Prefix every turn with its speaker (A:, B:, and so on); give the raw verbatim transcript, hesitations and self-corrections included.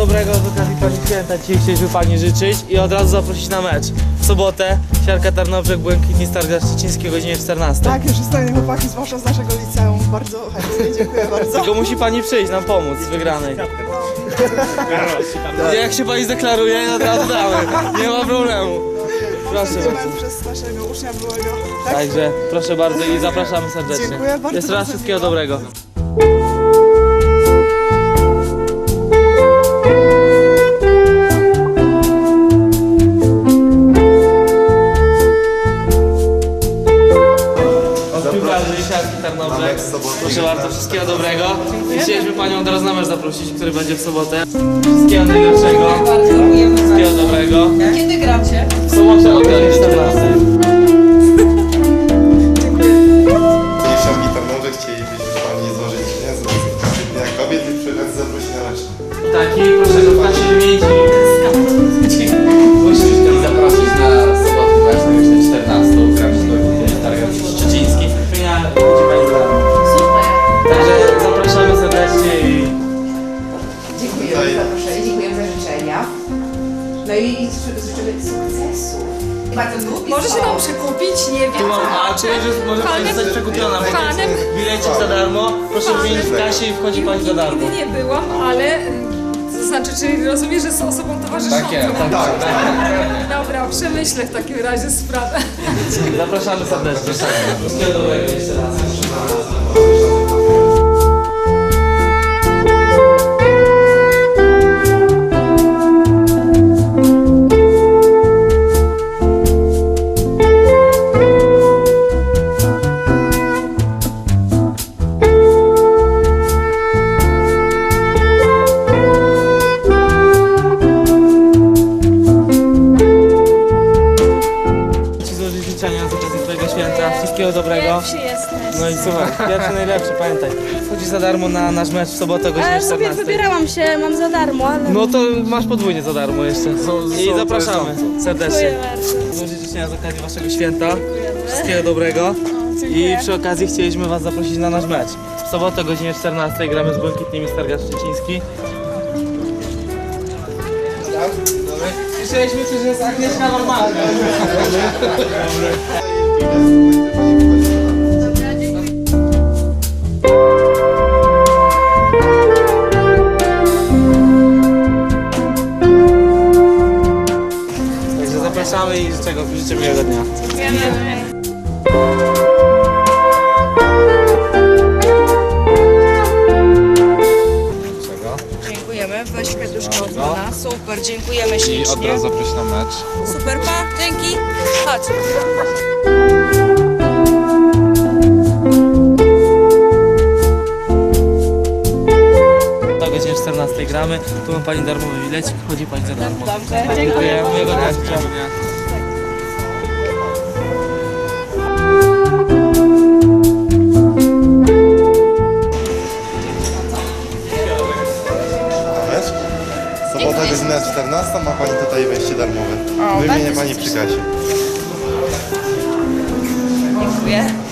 A: dobrego z okazji Pani Święta dzisiaj chcieliśmy Pani życzyć i od razu zaprosić na mecz. W sobotę Siarka Tarnobrzeg, Błękitni Stargard Szczeciński o godzinie czternastej.
B: Tak, już zostali chłopaki, zwłaszcza z naszego liceum. Bardzo chętnie, dziękuję bardzo.
A: Tylko musi Pani przyjść nam pomóc w wygranej. Jak się Pani zdeklaruje, od razu damy. Nie ma problemu. Proszę bardzo.
B: Przez naszego ucznia byłego. Tak?
A: Także proszę bardzo i zapraszamy serdecznie.
B: Dziękuję bardzo.
A: Jeszcze raz wszystkiego dobrego. Siarki Tarnobrzeg. Proszę bardzo, wszystkiego dobrego. I chcieliśmy Panią od razu na mecz zaprosić, który będzie w sobotę. Wszystkiego najlepszego. Wszystkiego dobrego.
C: Kiedy gracie?
A: W sobotę o godzinie czternastej.
D: Siarki Tarnobrzeg chcielibyśmy Pani złożyć pieniądze z okazji Dnia Kobiet i przy okazji zaprosić na mecz.
A: Taki, proszę go w klasie wymienić.
E: Musimy zaprosić na sobotę właśnie już na czternastą gramy z Stargard Szczeciński.
C: Super.
A: Także zapraszamy serdecznie i...
C: Dziękujemy za zaproszenie, dziękujemy za życzenia. No i życzymy sukcesu. Bardzo lubię.
F: Może się nam przekupić, nie wiem.
A: A czy już może Pani zostać przekupiona?
F: Fanem.
A: Bilecik za darmo, proszę wymienić w kasie i wchodzi Pani za darmo.
F: Nigdy nie byłam, ale to znaczy, czy rozumiem, że z osobą towarzyszącą?
E: Tak jest.
A: Tak,
F: Dobra, przemyślę w takim razie sprawę.
A: zapraszamy serdecznie. Wszystkiego dobrego jeszcze raz. Ci złożyć życzenia z okazji Twojego święta. Wszystkiego dobrego.
F: Pierwszy jesteś.
A: No i słuchaj, pierwszy najlepszy, pamiętaj. Wchodzisz za darmo na nasz mecz w sobotę o godzinie
G: Ale sobie
A: czternastej.
G: wybierałam się, mam za darmo, ale...
A: No to masz podwójnie za darmo jeszcze. I zapraszamy serdecznie.
G: Dziękuję bardzo.
A: Złożyć życzenia z okazji Waszego święta. Wszystkiego dobrego. I przy okazji chcieliśmy Was zaprosić na nasz mecz. W sobotę o godzinie czternastej gramy z Błękitnymi Stargard Szczeciński. Słyszeliśmy, że jest Agnieszka normalna. Także zapraszamy i życzę, życzę miłego dnia.
C: Dziękujemy, weź kwiatuszkę od pana. Super, dziękujemy
E: I
C: ślicznie.
E: od razu zaprosić na mecz.
C: Super, pa, dzięki. Chodź.
A: O godzinie czternastej gramy, tu ma Pani darmowy bilecik, wchodzi Pani za darmo.
C: Dobrze,
A: Dziękuję, miłego dnia.
D: Mecz? Sobota godzina czternasta, ma Pani tutaj wejście darmowe. Wymienię Pani przy kasie.
C: dziękuję.